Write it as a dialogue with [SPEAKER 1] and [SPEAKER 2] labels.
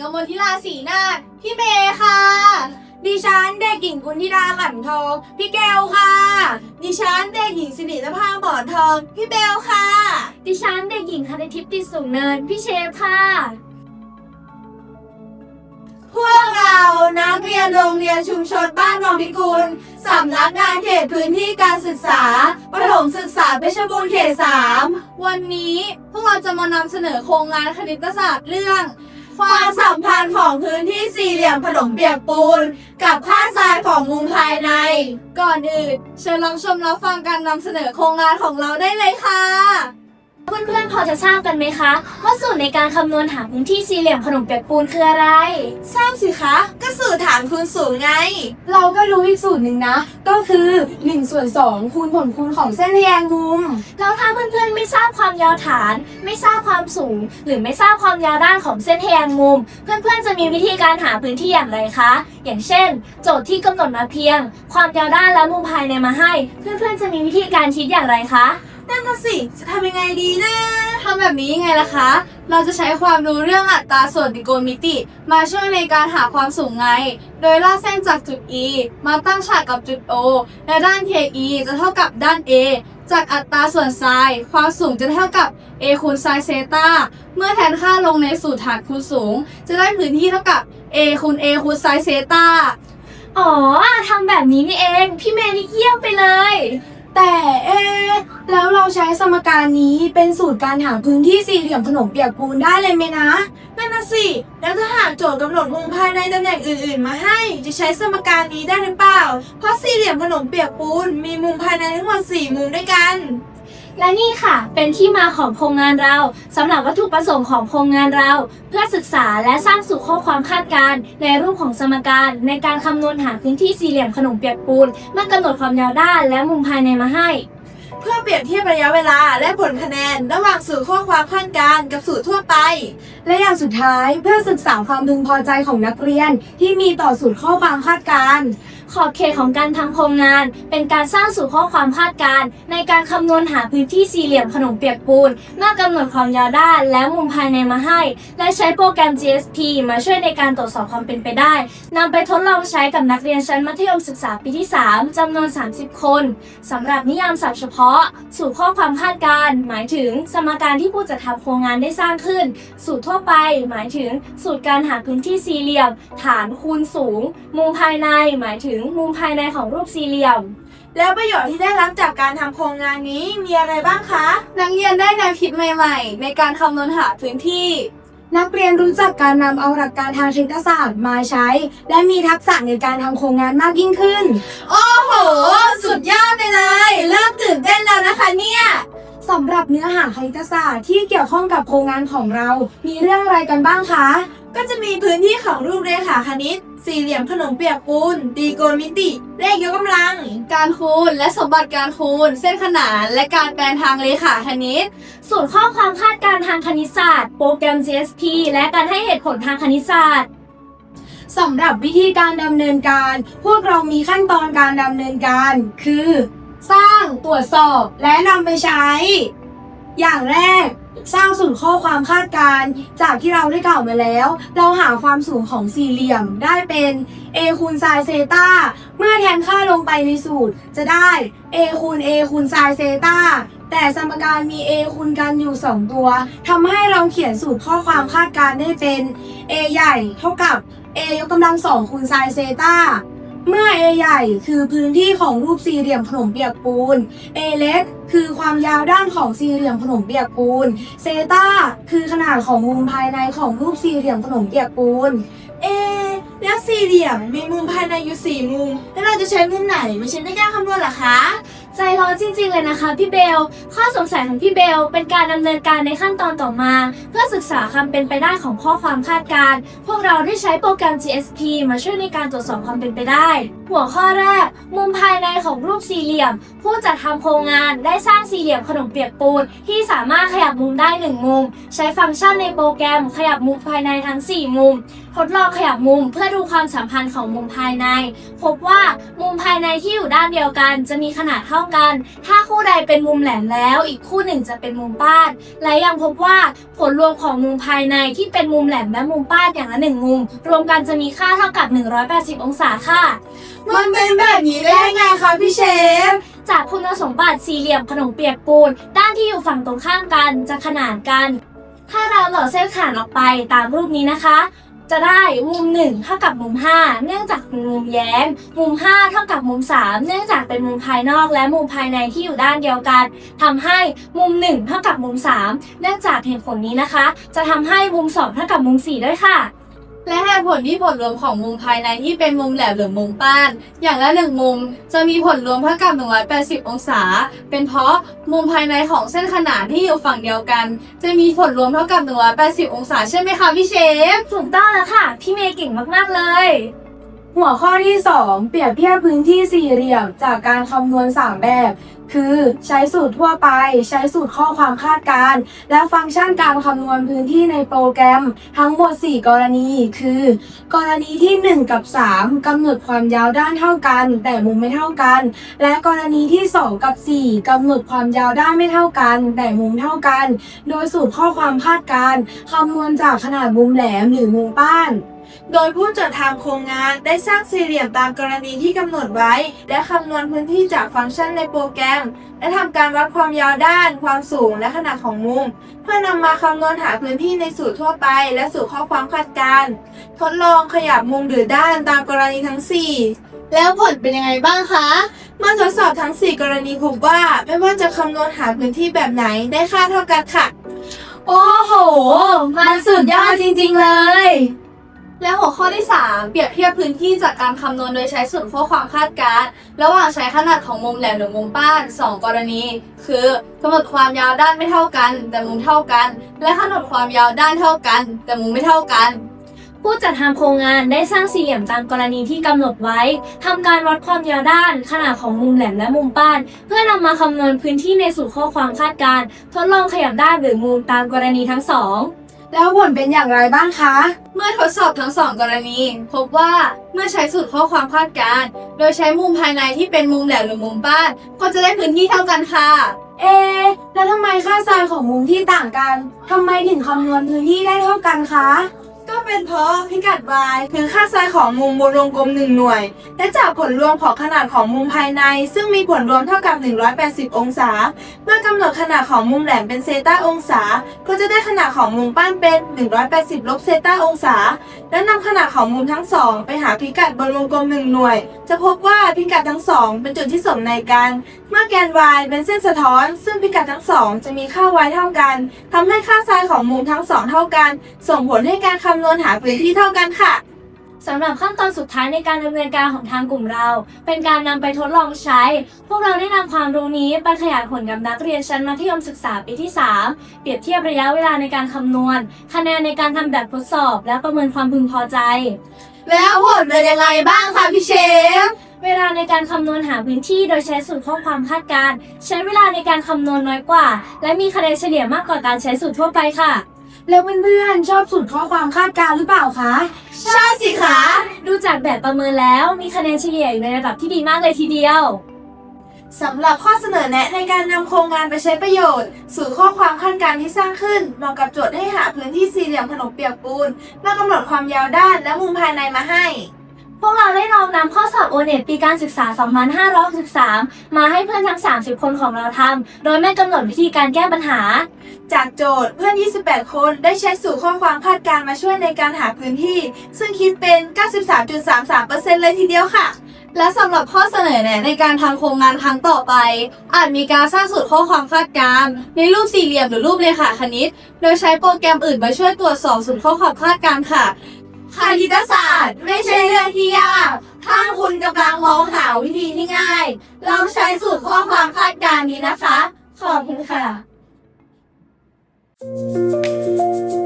[SPEAKER 1] มลธิลาศรีนาถพี่เมย์ค่ะดิฉันเด็กหญิงกุลธิดาขันทองพี่แก้วค่ะดิฉันเด็กหญิงสิรินภาหมอนทองพี่เบลค่ะ
[SPEAKER 2] ดิฉันเด็กหญิงคณิทิพย์ติดสูงเนินพี่เชฟค่ะ
[SPEAKER 1] พวกเรานักเรียนโรงเรียนชุมชนบ้านหนองพิกุลสำนักงานเขตพื้นที่การศึกษาประถมศึกษาเพชรบูรณ์เขต 3วันนี้พวกเราจะมานำเสนอโครงงานคณิตศาสตร์เรื่องความสัมพันธ์ของพื้นที่สี่เหลี่ยมขนมเปียกปูนกับค่าทรายของมุมภายในก่อนอื่นเชิญรับชมรับฟังการนำเสนอโครงงานของเราได้เลยค่ะ
[SPEAKER 2] เพื่อนๆพอจะทราบกันไหมคะว่าสูตรในการคำนวณหาพื้นที่สี่เหลี่ยมขนมเปียกปูนคืออะไร
[SPEAKER 1] ทราบสิคะก็สูตรฐานคูณสูงไง
[SPEAKER 3] เราก็รู้อีกสูตรหนึ่งนะก็คือ1/2คูณผลคูณของเส้นทแยงมุม
[SPEAKER 2] แล้วถ้าเพื่อนๆไม่ทราบความยาวฐานไม่ทราบความสูงหรือไม่ทราบความยาวด้านของเส้นทแยงมุมเพื่อนๆจะมีวิธีการหาพื้นที่อย่างไรคะอย่างเช่นโจทย์ที่กำหนดมาเพียงความยาวด้านและมุมภายในมาให้เพื่อนๆจะมีวิธีการคิดอย่างไรคะ
[SPEAKER 1] นั่นน่ะสิจะทำยังไงดีนะทำแบบนี้ยังไงล่ะคะเราจะใช้ความรู้เรื่องอัตราส่วนตรีโกณมิติมาช่วยในการหาความสูงไงโดยลากเส้นจากจุด E มาตั้งฉากกับจุด O และด้าน KE จะเท่ากับด้าน A จากอัตราส่วนไซน์ความสูงจะเท่ากับ A คูณไซน์เซตาเมื่อแทนค่าลงในสูตรฐานคูณสูงจะได้พื้นที่เท่ากับ A คูณ A คูณไซน์เซตา
[SPEAKER 2] อ๋อทำแบบนี้นี่เองพี่เมย์นี่เยี่ยมไปเลย
[SPEAKER 3] แต่แล้วเราใช้สมการนี้เป็นสูตรการหาพื้นที่สี่เหลี่ยมขนมเปียกปูนได้เลยไหมนะ
[SPEAKER 1] นั่นน่ะสิแล้วถ้าหากโจทย์กำหนดมุมภายในตำแหน่งอื่นๆมาให้จะใช้สมการนี้ได้หรือเปล่าเพราะสี่เหลี่ยมขนมเปียกปูนมีมุมภายในทั้งหมด4มุมด้วยกัน
[SPEAKER 2] และนี่ค่ะเป็นที่มาของโครงงานเราสำหรับวัตถุประสงค์ของโครงงานเราเพื่อศึกษาและสร้างสู่ข้อความคาดการณ์ในรูปของสมการในการคำนวณหาพื้นที่สี่เหลี่ยมขนมเปียกปูนเมื่อกำหนดความยาวด้านและมุมภายในมาให้
[SPEAKER 1] เพื่อเปรียบเทียบระยะเวลาและผลคะแนนระหว่างสูตรข้อความคาดการณ์กับสูตรทั่วไป
[SPEAKER 3] และอย่างสุดท้ายเพื่อศึกษาความพึงพอใจของนักเรียนที่มีต่อสูตรข้อความคาดการณ์
[SPEAKER 2] ขอบเขตของการทำโครงงานเป็นการสร้างสู่ข้อความคาดการณ์ในการคำนวณหาพื้นที่สี่เหลี่ยมขนมเปียกปูนเมื่อกำหนดความยาวด้านและมุมภายในมาให้และใช้โปรแกรม GSP มาช่วยในการตรวจสอบความเป็นไปได้นำไปทดลองใช้กับนักเรียนชั้นมัธยมศึกษาปีที่ 3จำนวน30คนสำหรับนิยามศัพท์เฉพาะสู่ข้อความคาดการณ์หมายถึงสมการที่ผู้จัดทำโครงงานได้สร้างขึ้นสูตรทั่วไปหมายถึงสูตรการหาพื้นที่สี่เหลี่ยมฐานคูณสูงมุมภายในหมายถึงมุมภายในของรูปสี่เหลี่ยม
[SPEAKER 1] แล้วประโยชน์ที่ได้รับจากการทำโครงงานนี้มีอะไรบ้างคะนักเรียนได้แนวคิดใหม่ๆในการคำนวณหาพื้นที่
[SPEAKER 3] นักเรียนรู้จักการนำเอาหลักการทางคณิตศาสตร์มาใช้และมีทักษะในการทำโครงงานมากยิ่งขึ้น
[SPEAKER 1] โอ้โหสุดยอดไปเลยเริ่มตื่นเต้นแล้วนะคะเนี่ย
[SPEAKER 3] สำหรับเนื้อหาคณิตศาสตร์ที่เกี่ยวข้องกับโครงงานของเรามีเรื่องอะไรกันบ้างคะ
[SPEAKER 1] ก็จะมีพื้นที่ของรูปเรขาคณิตสี่เหลี่ยมขนมเปียกปูนตรีโกณมิติเลขยกกำลังการคูณและสมบัติการคูณเส้นขนานและการแปลทางเรขาคณิต
[SPEAKER 2] สูตรข้อความคาดการณ์ทางคณิตศาสตร์โปรแกรม GSP และการให้เหตุผลทางคณิตศาสตร์
[SPEAKER 3] สำหรับวิธีการดำเนินการพวกเรามีขั้นตอนการดำเนินการคือสร้างตรวจสอบและนำไปใช้อย่างแรกสร้างสูตรข้อความคาดการณ์จากที่เราได้กล่าวมาแล้วเราหาความสูงของสี่เหลี่ยมได้เป็น a คูณไซน์เซตาเมื่อแทนค่าลงไปในสูตรจะได้ a คูณ a คูณไซน์เซตาแต่สมการมี a คูณกันอยู่2ตัวทำให้เราเขียนสูตรข้อความคาดการณ์ได้เป็น a ใหญ่เท่ากับ a ยกกำลัง2คูณไซน์เซตาเมื่อ A ใหญ่คือพื้นที่ของรูปสี่เหลี่ยมขนมเปียกปูน A เล็กคือความยาวด้านของสี่เหลี่ยมขนมเปียกปูนเซตาคือขนาดของมุมภายในของรูปสี่เหลี่ยมขนมเปียกปูน
[SPEAKER 1] แล้วสี่เหลี่ยมมีมุมภายในอยู่4มุมแล้วเราจะใช้มุมไหนมาใช้ในการคำนวณล่ะคะ
[SPEAKER 2] ใจร้อนจริงๆเลยนะคะพี่เบลข้อสงสัยของพี่เบลเป็นการดำเนินการในขั้นตอนต่อมาเพื่อศึกษาความเป็นไปได้ของข้อความคาดการณ์พวกเราได้ใช้โปรแกรม GSP มาช่วยในการตรวจสอบความเป็นไปได้หัวข้อแรกมุมภายในของรูปสี่เหลี่ยมผู้จัดทำโครงงานได้สร้างสี่เหลี่ยมขนมเปียกปูนที่สามารถขยับมุมได้1มุมใช้ฟังก์ชันในโปรแกรมขยับมุมภายในทั้ง4มุมทดลองขยับมุมเพื่อดูความสัมพันธ์ของมุมภายใน พบว่ามุมภายในที่อยู่ด้านเดียวกันจะมีขนาดเท่ากัน ถ้าคู่ใดเป็นมุมแหลมแล้วอีกคู่หนึ่งจะเป็นมุมป้าน และยังพบว่าผลรวมของมุมภายในที่เป็นมุมแหลมและมุมป้านอย่างละ1มุมรวมกันจะมีค่าเท่ากับ180องศาค่ะ
[SPEAKER 1] มันเป็นแบบนี้ได้ไงคะพี่เชฟ
[SPEAKER 2] จากคุณสมบัติสี่เหลี่ยมขนมเปียกปูนด้านที่อยู่ฝั่งตรงข้ามกันจะขนานกัน ถ้าเราหล่อเส้นขนานออกไปตามรูปนี้นะคะ จะได้มุม1เท่ากับมุม5เนื่องจากเป็นมุมแย้มมุม5เท่ากับมุม3เนื่องจากเป็นมุมภายนอกและมุมภายในที่อยู่ด้านเดียวกันทำให้มุม1เท่ากับมุม3เนื่องจากเหตุผลนี้นะคะ จะทำให้มุม2เท่ากับมุม4ด้วยค่ะ
[SPEAKER 1] และเหตุผลที่ผลรวมของมุมภายในที่เป็นมุมแหลมหรือมุมป้าน อย่างละ1มุมจะมีผลรวมเท่ากับ180องศาเป็นเพราะมุมภายในของเส้นขนานที่อยู่ฝั่งเดียวกัน จะมีผลรวมเท่ากับ180องศาใช่ไหมคะพี่เชฟ
[SPEAKER 2] ถูกต้องแล้วค่ะพี่เมย์เก่งมากๆเลย
[SPEAKER 3] หัวข้อที่ 2 เปรียบเทียบพื้นที่สี่เหลี่ยมจากการคำนวณ 3 แบบ คือใช้สูตรทั่วไป ใช้สูตรข้อความคาดการณ์และฟังก์ชันการคำนวณพื้นที่ในโปรแกรมทั้งหมด 4 กรณี คือ กรณีที่ 1 กับ 3 กำหนดความยาวด้านเท่ากัน แต่มุมไม่เท่ากัน และกรณีที่ 2 กับ 4 กำหนดความยาวด้านไม่เท่ากัน แต่มุมเท่ากัน โดยสูตรข้อความคาดการณ์คำนวณจากขนาดมุมแหลมหรือมุมป้าน
[SPEAKER 1] โดยผู้จัดทำโครงงานได้สร้างสี่เหลี่ยมตามกรณีที่กำหนดไว้ และคำนวณพื้นที่จากฟังก์ชันในโปรแกรม และทำการวัดความยาวด้าน ความสูง และขนาดของมุม เพื่อนำมาคำนวณหาพื้นที่ในสูตรทั่วไป และสูตรข้อความคาดการณ์ทดลองขยับมุมหรือด้านตามกรณีทั้ง 4 แล้วผลเป็นยังไงบ้างคะเมื่อทดสอบทั้ง 4 กรณีพบว่าไม่ว่าจะคำนวณหาพื้นที่แบบไหนได้ค่าเท่ากันค่ะ
[SPEAKER 2] โอ้โหมันสุดยอดจริงๆเลย
[SPEAKER 1] และหัวข้อที่ 3 เปรียบเทียบพื้นที่จากการคำนวณโดยใช้สูตรข้อความคาดการณ์ระหว่างใช้ขนาดของมุมแหลมหรือมุมป้าน 2 กรณี คือกำหนดความยาวด้านไม่เท่ากัน แต่มุมเท่ากัน และกำหนดความยาวด้านเท่ากัน แต่มุมไม่เท่ากัน
[SPEAKER 2] ผู้จัดทำโครงงานได้สร้างสี่เหลี่ยมตามกรณีที่กำหนดไว้ทำการวัดความยาวด้านขนาดของมุมแหลมและมุมป้าน เพื่อนำมาคำนวณพื้นที่ในสูตรข้อความคาดการณ์ทดลองขยับด้านหรือมุมตามกรณีทั้ง 2
[SPEAKER 3] แล้วผลเป็นอย่างไรบ้างคะ
[SPEAKER 1] เมื่อทดสอบทั้ง 2 กรณี พบว่าเมื่อใช้สูตรข้อความคาดการณ์โดยใช้มุมภายในที่เป็นมุมแหลมหรือมุมป้าน ก็จะได้พื้นที่เท่ากันค่ะ
[SPEAKER 3] แล้วทำไมค่าไซน์ของมุมที่ต่างกัน ทำไมถึงคำนวณพื้นที่ได้เท่ากันคะ
[SPEAKER 1] ก็เป็นเพราะพิกัด y คือค่าไซน์ของมุมบนวงกลม1หน่วย และจากผลรวมของขนาดของมุมภายใน ซึ่งมีผลรวมเท่ากับ180องศา เมื่อกำหนดขนาดของมุมแหลมเป็นเซตาองศา ก็จะได้ขนาดของมุมป้านเป็น180ลบเซตาองศา และนำขนาดของมุมทั้งสองไปหาพิกัดบนวงกลม1หน่วย จะพบว่าพิกัดทั้งสองเป็นจุดที่สมในกัน เมื่อแกน y เป็นเส้นสะท้อน ซึ่งพิกัดทั้งสองจะมีค่า y เท่ากันทำให้ค่าไซน์ของมุมทั้งสองเท่ากัน ส่งผลให้การคำนวณหาพื้นที่เท่ากันค่ะ
[SPEAKER 2] สำหรับขั้นตอนสุดท้ายในการดำเนินการของทางกลุ่มเรา เป็นการนำไปทดลองใช้ พวกเราได้นำความรู้นี้ไปขยายผลกับนักเรียนชั้นมัธยมศึกษาปีที่ 3 เปรียบเทียบระยะเวลาในการคำนวณ คะแนนในการทำแบบทดสอบ และประเมินความพึงพอใจ
[SPEAKER 1] แล้วผลเป็นยังไงบ้างคะพี่เชฟ
[SPEAKER 2] เวลาในการคำนวณหาพื้นที่โดยใช้สูตรข้อความคาดการณ์ใช้เวลาในการคำนวณน้อยกว่า และมีคะแนนเฉลี่ยมากกว่าการใช้สูตรทั่วไปค่ะ
[SPEAKER 3] แล้วเพื่อนๆชอบสูตรข้อความคาดการณ์หรือเปล่าคะ
[SPEAKER 1] ใช่สิคะ
[SPEAKER 2] ดูจากแบบประเมินแล้วมีคะแนนเฉลี่ยอยู่ในระดับที่ดีมากเลยทีเดียว
[SPEAKER 1] สำหรับข้อเสนอแนะในการนำโครงงานไปใช้ประโยชน์สูตรข้อความคาดการณ์ที่สร้างขึ้นเหมาะกับโจทย์ให้หาพื้นที่สี่เหลี่ยมขนมเปียกปูนเมื่อกำหนดความยาวด้านและมุมภายในมาให้
[SPEAKER 2] พวกเราได้ลองนำข้อสอบ O-NET ปีการศึกษา 2563 มาให้เพื่อนทั้ง 30 คนของเราทำ โดยไม่กำหนดวิธีการแก้ปัญหา
[SPEAKER 1] จากโจทย์เพื่อน 28 คนได้ใช้สูตรข้อความคาดการณ์มาช่วยในการหาพื้นที่ ซึ่งคิดเป็น 93.33% เลยทีเดียวค่ะ และสำหรับข้อเสนอแนะในการทำโครงงานครั้งต่อไป อาจมีการสร้างสูตรข้อความคาดการณ์ในรูปสี่เหลี่ยมหรือรูปเรขาคณิต โดยใช้โปรแกรมอื่นมาช่วยตรวจสอบสูตรข้อความคาดการณ์ค่ะคณิตศาสตร์ไม่ใช่เรื่องที่ยาก ถ้าคุณกำลังมองหาวิธีที่ง่าย ลองใช้สูตรข้อความคาดการณ์นี้นะคะ ขอบคุณค่ะ